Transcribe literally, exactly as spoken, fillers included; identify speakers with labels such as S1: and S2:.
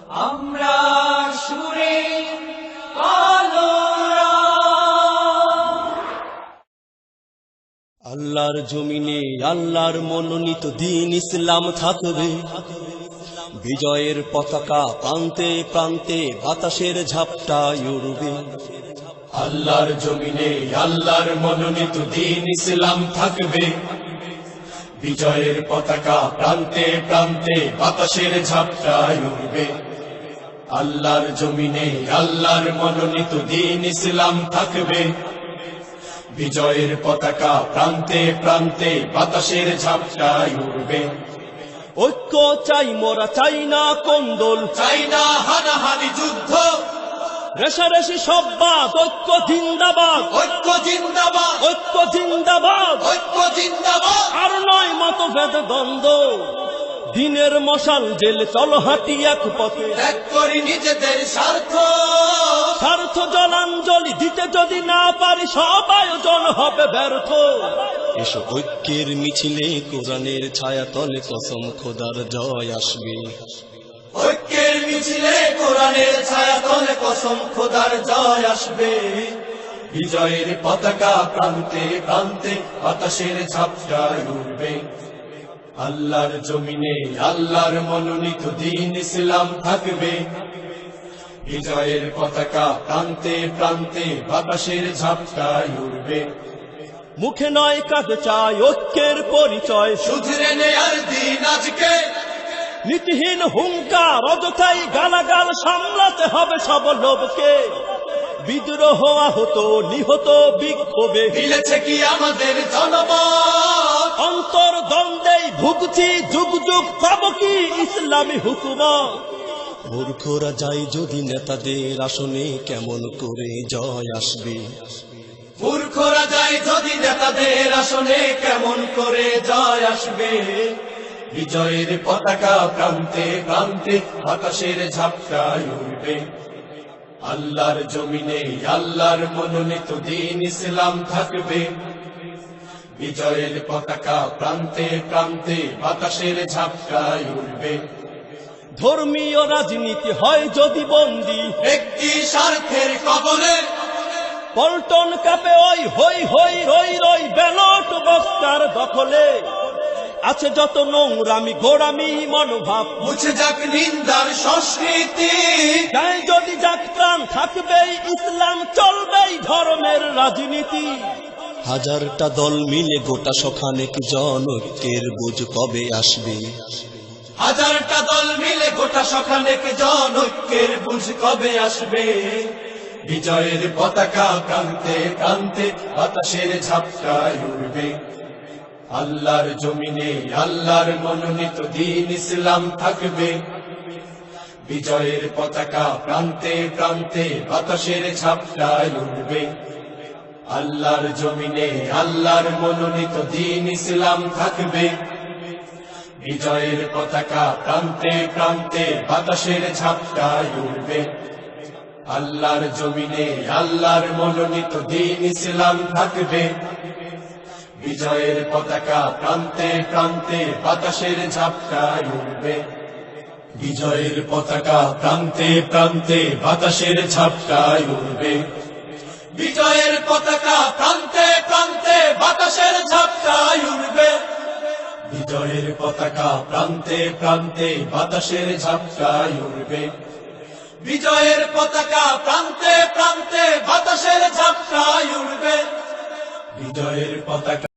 S1: আমরা সুরে আলোরা।
S2: আল্লাহর জমিনে আল্লাহর মনোনীত দ্বীন ইসলাম থাকবে, বিজয়ের পতাকা প্রান্তে প্রান্তে বাতাসের ঝাপটায় উড়বে।
S3: আল্লাহর জমিনে আল্লাহর মনোনীত দ্বীন ইসলাম থাকবে, বিজয়ের পতাকা প্রান্তে প্রান্তে বাতাসের ঝাপটায় উড়বে। আল্লাহর জমিনে আল্লাহর মনোনীত দ্বীন ইসলাম থাকবে, বিজয়ের পতাকা প্রান্তে প্রান্তে বাতাসের ঝাপটায় উড়বে।
S2: ঐক্য চাই মোরা, চাই না কোন্দল,
S3: চাই না হানাহানি যুদ্ধ,
S2: রেশারেশি সব বাদ, ঐক্য জিন্দাবাদ,
S3: ঐক্য জিন্দাবাদ,
S2: ঐক্য জিন্দাবাদ।
S3: ঐক্য জিন্দাবাদ।
S2: আর নয় মতভেদ দ্বন্দ্ব, দিনের মশাল জেলে চলো হাঁটি এক পথে।
S3: ত্যাগ করি নিজেদের স্বার্থ,
S2: স্বার্থ জলাঞ্জলি দিতে যদি না পারি সব আয়োজন হবে ব্যর্থ। এসো ঐক্যের মিছিলে কোরআনের ছায়া তলে কসম খোদার জয় আসবে।
S3: ঐক্যের মিছিলে কোরআনের ছায়া তলে কসম খোদার জয় আসবে। বিজয়ের পতাকা প্রান্তে প্রান্তে বাতাসের ঝাপটায় উড়বে। আল্লাহর জমিনে আল্লাহর মনোনীত দ্বীন ইসলাম থাকবে, বিজয়ের পতাকা প্রান্তে প্রান্তে বাতাসের ঝাপটায় উড়বে।
S2: মুখে নয় কাঁধে চাই ঐক্যের পরিচয়,
S3: শুধরে নেয়ার দিন আজকে,
S2: নীতিহীন হুঙ্কার অযথাই গালাগাল সামলাতে হবে সব লোভকে। বিদ্রোহ আহত নিহত বিক্ষোভে
S3: মিলেছে কি আমাদের জনমত,
S2: অন্তর দ্বন্দ্বেই ভুগছি যুগ যুগ, পাব কি ইসলামী হুকুমত। মূর্খরা যায় যদি নেতাদের আসনে, কেমন করে জয় আসবে।
S3: মূর্খরা যায় যদি নেতাদের আসনে, কেমন করে জয় আসবে। বিজয়ের পতাকা প্রান্তে প্রান্তে বাতাসের ঝাপটায় উড়বে। আল্লাহর জমিনে আল্লাহর মনোনীত দ্বীন ইসলাম থাকবে, বিজয়ের পতাকা প্রান্তে প্রান্তে বাতাসের ঝাপটায় উড়বে।
S2: ধর্মীয় রাজনীতি হয় যদি বন্দী,
S3: ব্যক্তি স্বার্থের কবলে,
S2: পল্টন কাপে ওই হই হই রই রই ব্যালট বক্তার দখলে। আছে যত নোংরামি গোড়ামি মনোভাব,
S3: মুছে যাক নিন্দার সংস্কৃতি।
S2: তাই যদি যাক প্রাণ থাকবেই ইসলাম, চলবেই ধর্মের রাজনীতি। হাজারটা দল মিলে গোটা সখানেক জন, ঐক্যের বুঝ কবে আসবে।
S3: হাজারটা দল মিলে গোটা সখানেক জন, ঐক্যের বুঝ কবে আসবে। বিজয়ের পতাকা প্রান্তে প্রান্তে বাতাসের ঝাপটায় উড়বে। আল্লাহর জমিনে আল্লাহর মনোনীত দ্বীন ইসলাম থাকবে, বিজয়ের পতাকা প্রান্তে প্রান্তে বাতাসের ঝাপটায় উড়বে। আল্লাহর জমিনে আল্লাহর মনোনীত দ্বীন ইসলাম থাকবে, বিজয়ের পতাকা প্রান্তে প্রান্তে বাতাসের ঝাপটায় উড়বে। আল্লাহর জমিনে আল্লাহর মনোনীত দ্বীন ইসলাম থাকবে, বিজয়ের পতাকা প্রান্তে প্রান্তে বাতাসের ঝাপটায় উড়বে। বিজয়ের পতাকা প্রান্তে প্রান্তে বাতাসের ঝাপটায় উড়বে। বিজয়ের পতাকা প্রান্তে প্রান্তে বাতাসের ঝাপটায় উড়বে। বিজয়ের পতাকা প্রান্তে প্রান্তে বাতাসের ঝাপটায় উড়বে। বিজয়ের পতাকা প্রান্তে প্রান্তে বাতাসের ঝাপটায় উড়বে। বিজয়ের পতাকা